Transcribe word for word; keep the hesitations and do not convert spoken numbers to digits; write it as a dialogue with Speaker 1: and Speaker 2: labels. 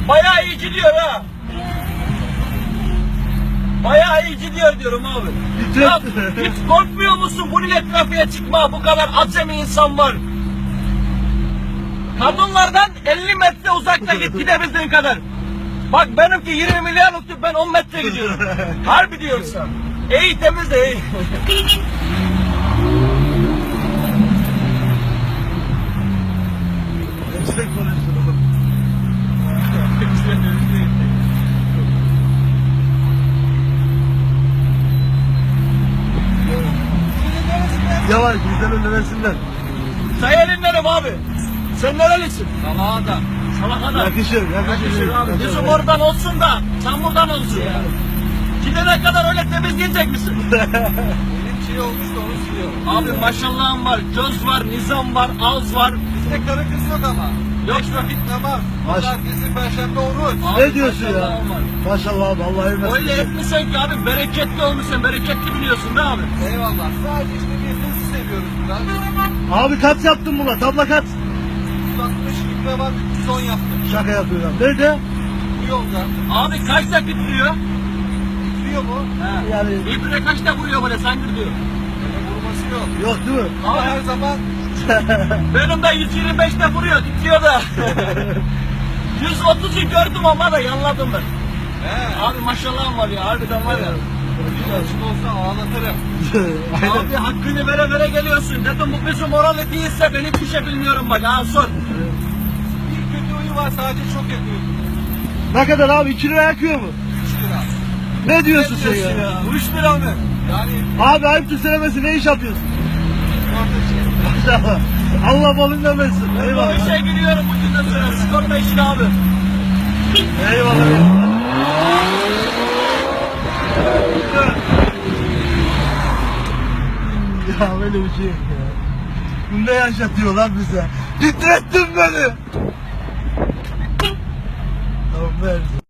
Speaker 1: Bayağı iyi gidiyor ha. Bayağı iyi gidiyor diyorum abi. Ya, hiç korkmuyor musun bu ile trafiğe çıkma? Bu kadar acemi insan var. Kadınlardan elli metre uzakta git, gidebildiğin kadar. Bak benimki yirmi milyarlık, ben on metre gidiyorum. Harbi diyorsan. İyi, temiz de iyi.
Speaker 2: Yavaş, bizden önlemesinler.
Speaker 1: Sayarınlarım abi. Sen nerelisin?
Speaker 3: Salağada.
Speaker 1: Salakada.
Speaker 2: Yakışır, yakışır.
Speaker 1: Yakışır abi. Bizim oradan olsun da sen buradan olsun ya. Gidene kadar öyle temizleyecek misin?
Speaker 3: Benim şey olmuş da onu siliyorum.
Speaker 1: Abi maşallahım var, göz var, nizam var, ağız var.
Speaker 3: Bizde karı kız yok ama.
Speaker 1: Yok.
Speaker 3: Beş vakit namaz.
Speaker 2: Maş-
Speaker 3: Pazartesi, perşembe oruç.
Speaker 1: Abi,
Speaker 2: Ne diyorsun ya?
Speaker 1: maşallahım var.
Speaker 2: Maşallah abi, Allah evmesin.
Speaker 1: Öyle etmişsen ki abi, bereketli olmuşsun, bereketli biliyorsun değil mi abi?
Speaker 3: Eyvallah. Sadece işte bir hız seviyoruz biraz.
Speaker 2: Abi kaç yaptın buna? Tabla kaç?
Speaker 3: yüz altmış litre var, üç yüz on yaptım.
Speaker 2: Şaka yapıyorum. Nerede?
Speaker 3: Bu yolda.
Speaker 1: Abi kaçta bitiriyor?
Speaker 3: Bitiriyor mu?
Speaker 1: He.
Speaker 2: Yani
Speaker 1: İbre kaçta vuruyor böyle sanki diyor.
Speaker 3: Öyle vurması yok.
Speaker 2: yok değil mi?
Speaker 3: Ama her zaman
Speaker 1: Benim de yüz yirmi beşte vuruyor, bitiyor da. yüz otuzu gördüm ama da yanladım ben.
Speaker 3: he.
Speaker 1: Abi maşallahım var ya, harbiden var ya.
Speaker 3: Bir açın olsa ağlatırım.
Speaker 1: Abi hakkını vere vere geliyorsun. Dedim bu bizim oralı değilse ben hiçbir şey bilmiyorum bak. Ha sor.
Speaker 3: Bir kötü huyu var, sadece çok yakıyor.
Speaker 2: Ne kadar abi? iki lira yakıyor mu?
Speaker 3: üç lira.
Speaker 2: Ne diyorsun sen
Speaker 1: Diyorsun
Speaker 2: ya?
Speaker 1: ya. Üç lira mı?
Speaker 3: Yani
Speaker 2: Abi ayıptır söylemesi, ne iş yapıyorsun?
Speaker 3: orta
Speaker 2: Maşallah. Allah balından versin.
Speaker 1: Ben bu
Speaker 2: Eyvallah.
Speaker 1: işe giriyorum bu günden sonra. Sigorta işine abi.
Speaker 2: Eyvallah. Ya böyle bir şey yok ya. Bu ne yaşatıyor lan bize? Titrettin beni. Tamam ver.